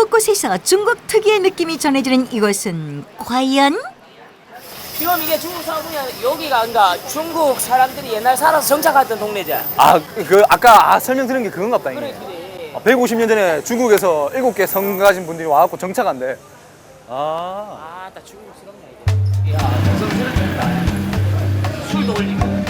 곳곳에서 중국 특유의 느낌이 전해지는 이곳은 과연? 지금 이게 중국 사람이야. 여기가 그러니까 중국 사람들이 옛날 살아서 정착했던 동네지. 아까 설명드린 게 그건갑다. 그래 이게. 그래. 150년 전에 중국에서 7개 성 가진 분들이 와갖고 정착한대. 나 중국스럽네 이게. 야, 정성스럽다. 술도 올리고.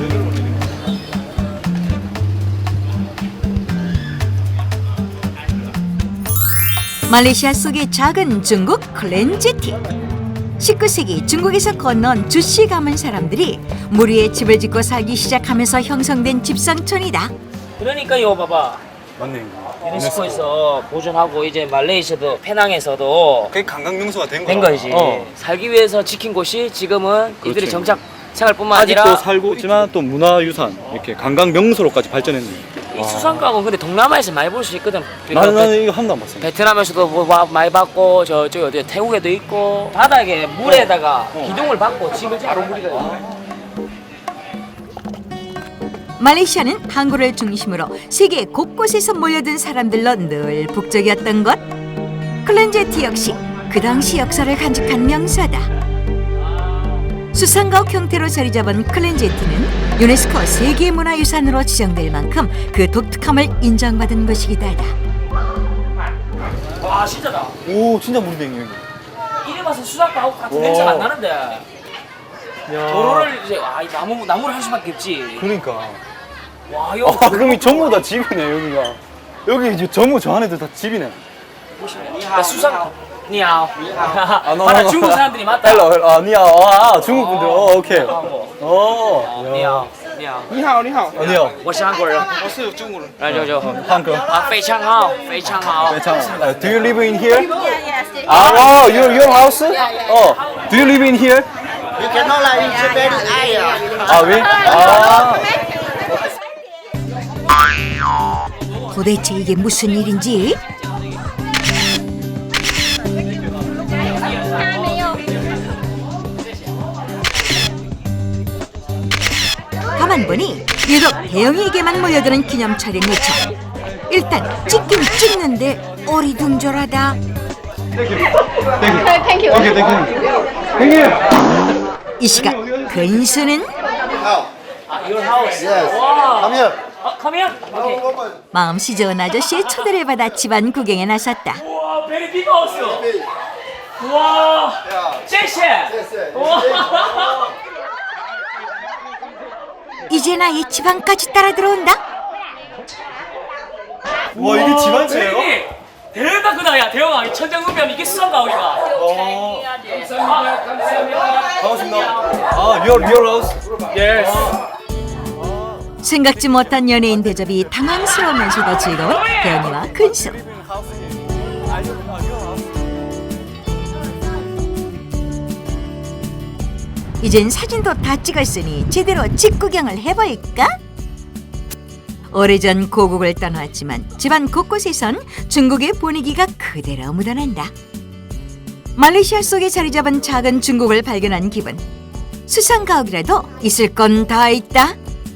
말레이시아 속의 작은 중국 클렌제티. 19세기 중국에서 건넌 주씨 가문 사람들이 물 위에 집을 짓고 살기 시작하면서 형성된 집상촌이다. 그러니까 이거 봐봐. 맞네. 유네스코에서 보존하고 이제 말레이시아도 페낭에서도 그게 관광 명소가 된 거지. 살기 위해서 지킨 곳이 지금은 이들의 그렇지. 정착 생활뿐만 아직도 아니라 살고 있지만 또 문화유산 이렇게 관광 명소로까지 발전했네. 이 수상가고 근데 동남아에서 많이 볼 수 있거든. 나는 이거 한 번도 안 봤어. 베트남에서도 많이 봤고 저쪽 어디 태국에도 있고 바닥에 물에다가 기둥을 박고 집을 바로 물이 돼. 말레이시아는 항구를 중심으로 세계 곳곳에서 몰려든 사람들로 늘 북적이었던 것. 클렌제티 역시 그 당시 역사를 간직한 명사다. 수상가옥 형태로 자리 잡은 클렌제티는 유네스코 세계문화유산으로 지정될 만큼 그 독특함을 인정받은 곳이기도 하다. 와 진짜다. 오, 진짜 물이네 여기. 이래 봐서 수상가옥 같은 냄새가 안 나는데 도로를 이제 이 나무를 할 수밖에 없지. 그러니까. 와 여기 그럼 이 전부 다 집이네 여기가. 여기 이제 전부 저 안에도 다 집이네. 수상 니하오. no, 맞다 no. 중국 사람들이 맞다. 헬로, 니하오. 중국 분들. 오케이. 니하오. 니하오. 你好，你好， 아니요. 我是韩国人。 我是中国人。 来舅舅。 한국. 非常好，非常好。 Do you live in here? Yes. Your house? Do you live in here? You cannot like in Japan. 도대체 이게 무슨 일인지? 가만 보니 유독 대영이에게만 모여드는 기념 촬영 요청. 일단 찍긴 찍는데 어리둥절하다. Thank you. 이 시각 근수는 Your house. Yes. 와. Come here. Come here. Okay. 마음씨 좋은 아저씨의 초대를 받아 집안 구경에 나섰다. 와, very big house. 와. 谢谢. 와. 이제 나의 집안까지 따라 들어온다. 와, 이게 집안채예요? 대박 크다 야 대영아 이 천장급이면 이게 수상가옥이가. 감사합니다. 반갑습니다. Your house? Yes. 생각지 못한 연예인 대접이 당황스러우면서도 즐거운 대현이와 근수. 이젠 사진도 다 찍었으니 제대로 집 구경을 해볼까? 오래전 고국을 떠나왔지만 집안 곳곳에선 중국의 분위기가 그대로 묻어난다. 말레이시아 속에 자리 잡은 작은 중국을 발견한 기분. 수상가옥이라도 있을 건 다 있다.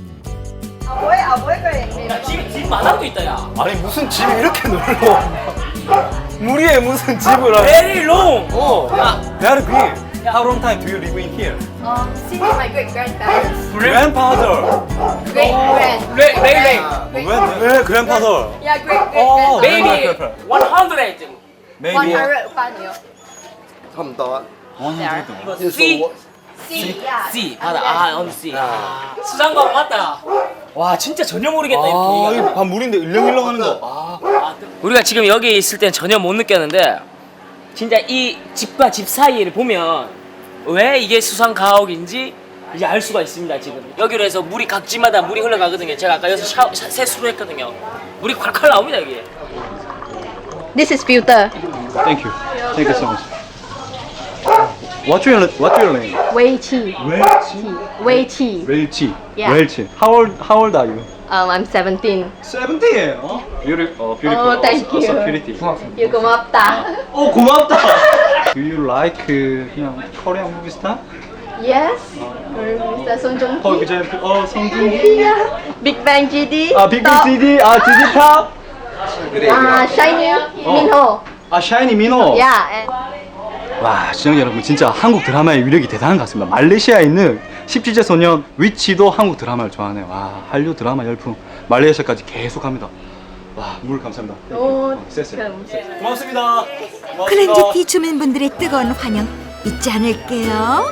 야, 집 마당도 있다 야. 아니 무슨 집이 이렇게 넓어? 무리에 무슨 집을 하고? Very long. Very big. How long time do you live in here? Since my great grandparents. Grandfather. Great grand. Very 왜 grandfather? Yeah, great Oh, grandparents. Maybe 100. Maybe 100 반이요. 差不多。 C. C. Yeah. C. 맞아. on C. 수상가옥 맞다. 와 진짜 전혀 모르겠다 이렇게. 이거 밥 물인데 일렁일렁하는 거. 우리가 지금 여기 있을 땐 전혀 못 느꼈는데 진짜 이 집과 집 사이를 보면 왜 이게 수상가옥인지 이제 알 수가 있습니다. 지금 여기로 해서 물이 각지마다 물이 흘러가거든요. 제가 아까 여기서 세수를 했거든요. 물이 콸콸 나옵니다 여기. This is filter. Thank you. Thank you so much. What's your name? Wei Qi. Wei Qi. Welchi. Yeah. Welchi. How old are you? I'm 17. 17. Beautiful. Oh, thank you. So pretty. You 고맙다. 고맙다. Do you like 그냥 Korean movie star? Yes. Mr. Song Joong For Ki. example, 성준기. Yeah. Big Bang GD. 빅빅 GD. GD 탑. Shiny Minho. 아, 샤이니 민호. Yeah. And 와, 시청자 여러분, 진짜 한국 드라마의 위력이 대단한 것 같습니다. 말레이시아에 있는 17세 소년 위치도 한국 드라마를 좋아하네요. 와, 한류 드라마 열풍 말레이시아까지 계속합니다. 와, 물 감사합니다. oh, 쎄쎄. come. 고맙습니다. 클렌즈티 주민분들의 뜨거운 환영 잊지 않을게요.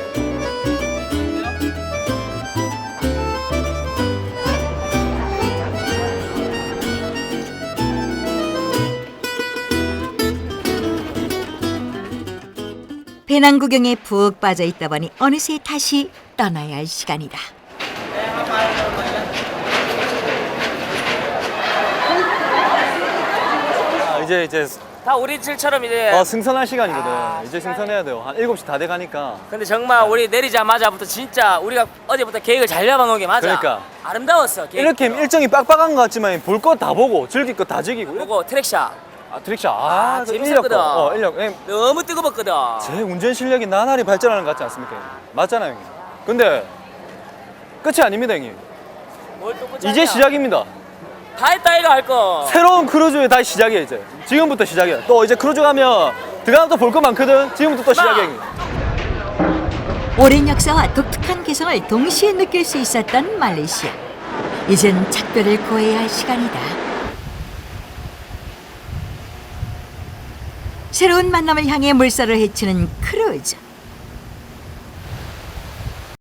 배낭 구경에 푹 빠져 있다 보니 어느새 다시 떠나야 할 시간이다. 이제 다 우리 집처럼 이제. 승선할 시간이거든. 이제 승선해야 돼요. 한 7시 다 돼가니까. 근데 정말 우리 내리자마자부터 진짜 우리가 어제부터 계획을 잘 잡아놓은 게 맞아. 그러니까. 아름다웠어. 계획. 이렇게 일정이 빡빡한 것 같지만 볼 거 다 보고 즐길 거 다 즐기고. 보고 트랙샷 트릭샷. 재밌었거든. 인력. 너무 뜨거웠거든. 제 운전 실력이 나날이 발전하는 것 같지 않습니까? 형님? 맞잖아요, 형님. 근데 끝이 아닙니다, 형님. 뭘또 꽂았냐? 이제 시작입니다. 다 했다 이거 할 거. 새로운 크루즈의 다시 시작이에요, 이제. 지금부터 시작이야. 또 이제 크루즈 가면 들어가면 또 볼 거 많거든. 지금부터 또 시작이야, 형님. 오랜 역사와 독특한 개성을 동시에 느낄 수 있었던 말레이시아. 이젠 작별을 고해야 할 시간이다. 새로운 만남을 향해 물살을 헤치는 크루즈.